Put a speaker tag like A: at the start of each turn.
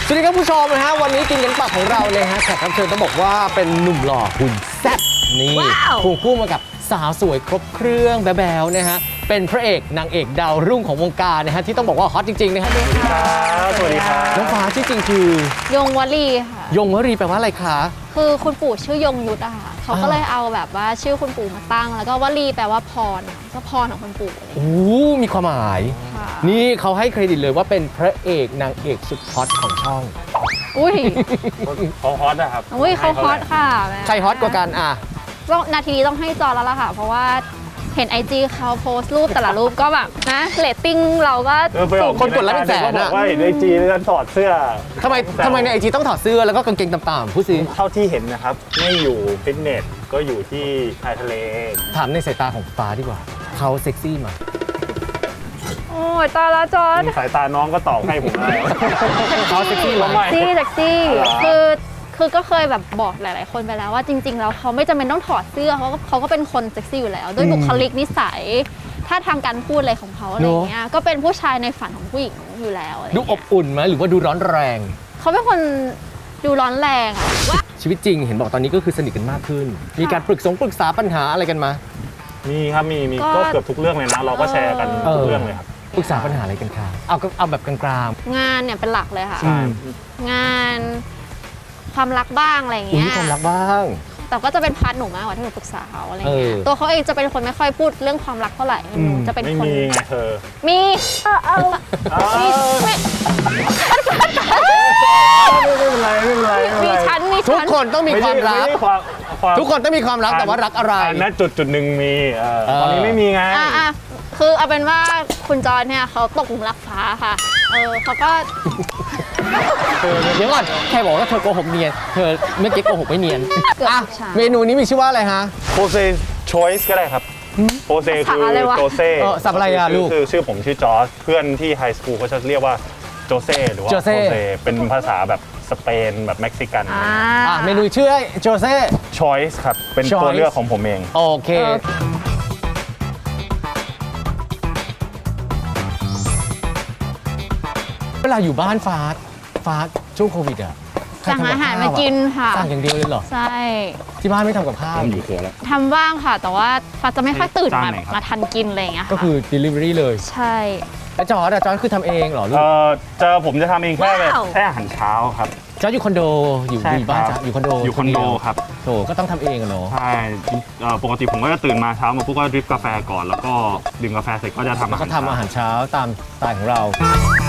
A: สวัสดีครับผู้ชมนะฮะวันนี้กินกันปากของเราเลยฮะแขกรับเชิญต้องบอกว่าเป็นหนุ่มหล่อหุ่นแซ่บนี่ควงคู่มากับสาวสวยครบเครื่องแบ๊วๆนะฮะเป็นพระเอกนางเอกดาวรุ่งของวงการนะฮะที่ต้องบอกว่าฮอตจริงๆนะฮะ
B: สวัสดีครับ
A: น้องฟ้าชื่อจริงคือย
C: งวลีค่ะ
A: ยงวรีแปลว่าอะไรคะ
C: คือคุณปู่ชื่อยงยุทธอะค่ะเขาก็เลยเอาแบบว่าชื่อคุณปู่มาตั้ง แล้วก็วลีแปลว่าพรก็พรของคุณปู่อะไรอย่าง
A: โอ้
C: เงี้ย
A: มีความหมาย
C: ค่ะ
A: นี่เขาให้เครดิตเลยว่าเป็นพระเอกนางเอกสุดฮอตของช่อง
C: อุ้ย
B: เขาฮอตนะครับ
C: อุ้ยเขาฮอตค่ะแม่
A: ใครฮอตกว่ากันอ่ะ
C: ต้องนาทีนี้ต้องให้จอแล้วล่ะค่ะ เพราะว่าเห็น IG เขาโพสต์รูปแต่ละรูปก็แบบนะเรตติ้งเราก็สูง
A: คนกดไลค์เป็นแสน
B: เขาบ
A: อะ
B: อกว่าเห็นไอจีแล้วถอดเสื้อ
A: ทำไมในไอจีต้องถอดเสื้อแล้วก็กางเกงต่ำๆพูดสิ
B: เท่าที่เห็นนะครับ ไม่อยู่ฟิตเนสก็อยู่ที่ชายทะเล
A: ถามในสายตาของฟ้าดีกว่าเขาเซ็กซี่ไหม
C: โอ้ยตายละจอน
B: สายตาน้องก็ตอบให้ผมได้
A: เขาเซ็กซี่ไหม
B: ทำไม
C: ซี่แท็กซี่
B: เหรอ
C: คือก็เคยแบบบอกหลาย ๆ คนไปแล้วว่าจริง ๆ แล้วเขาไม่จำเป็นต้องถอดเสื้อเขาก็เป็นคนเซ็กซี่อยู่แล้วด้วยบุคลิกนิสัยท่าทางการพูดอะไรของเขาอะไรอย่างเงี้ยก็เป็นผู้ชายในฝันของผู้หญิงอยู่แล้วอะไร
A: ดู
C: เงี้ย
A: อบอุ่นไหมหรือว่าดูร้อนแรง
C: เขาเป็นคนดูร้อนแรงอะว่า
A: ชีวิตจริงเห็นบอกตอนนี้ก็คือสนิทกันมากขึ้น มีการปรึกษาปัญหาอะไรกันมา
B: มีครับมีก็เกือบทุกเรื่องเลยนะ เราก็แชร์กันทุกเรื่องเลยครับ
A: ปรึกษาปัญหาอะไรกันคะเอาแบบกลาง
C: งานเนี่ยเป็นหลักเลยค่ะ
A: ใช่
C: งานความรักบ้างอะไรอย่าง
A: ๆอุ้ย
C: เงี้ย
A: ความรักบ้าง
C: แต่ก็จะเป็นพาร์ทหนูมากกว่าที่หนูปรึกษาเขาอะไรเงี้ย
A: เออ
C: ตัวเขาเองจะเป็นคนไม่ค่อยพูดเรื่องความรักเท่าไหร่หนูจะเป็น
B: ไม่
C: คน
B: มีไงเธอ
C: มี
B: อ้าว
C: ไม่
B: ไม่เป็นไรไม่เป็นไรไม่เป็น
C: มี
B: ไร
C: ชั้นมี
A: ทุก
C: ชั้น
A: คนต้องมีความรัก
B: ไใช่ความ
A: ทุกคนต้องมีความรักแต่ว่ารักอะไร
B: ณจุดหนึ่งมีตอนนี้ไม่มีไง
C: อ่ะคือเอาเป็นว่าคุณจอนเนี่ยเขาตกหลุมรักฟ้าค่ะเขาก็
A: เดี๋ยวก่อนแค่บอกว่าเธอโกหกเนียนเธอเมื่อกี้โกหกไม่เนียน
C: เกือบ
A: อ่ะ
C: ทุกฉาก
A: เมนูนี้มีชื่อว่าอะไรฮะ
B: โปเซชอยส์ก็ได้ครับโปเซคือ
C: อะไรวะ
B: โจเซ่
A: สับอะไรอะลูก
B: คือชื่อผมชื่อจอร์จเพื่อนที่ไฮสคูลเขาจะเรียกว่าโจเซ่หรือว่า
A: โจ
B: โป
A: เซ่
B: เซเป็นภาษาแบบสเปนแบบเม็กซิกัน
A: เมนูชื่อโจเซ่
B: ชอยส์ครับ เป็นตัว
A: Choice
B: เลือกของผมเอง
A: โอเค เวลาอยู่บ้านฟ้าช่วงโควิดอ่ะใค
C: สั่ง
A: ทำกับ
C: อาหาร
A: ข้ว
C: มา
A: อะ
C: กินค่ะ
A: สั่งอย่างเดียวเลยเหรอ
C: ใช่
A: ที่บ้านไม่ทำกับข้าว
B: อยู่ครัวแล้ว
C: ทำบ้างค่ะ แต่ว่าฟ้าจะไม่ค่อยตื่น
B: จาน
C: มา
B: ไหนครับ
C: มาทันกินอะไรอย่างเงี้ย
A: ก็คือ delivery เลย
C: ใช่
A: แล้วจอร์ดคือทำเองเหรอลูก
B: ผมจะททำเองแค่
C: ว้าว
B: แค่อาหารเช้าครับ
A: จอร์ดอยู่คอนโดอยู่
B: ใช่
A: อยู่บ้าน
B: ครับ
A: จ้ะอยู่คอนโด
B: อยู่คอนโด
A: เดียว
B: ครับ
A: โถก็ต้องทำเองอะเนาะ
B: ใช่ปกติผมก็จะตื่นมาเช้ามาปุ๊บก็ดริปกาแฟก่อน แล้วก็ดื่มกาแฟเสร็จก็จะทำอา
A: แล้ว
B: หาร
A: ก็ทำอาหารเช้าตามสไตล์ของเรา
B: ใ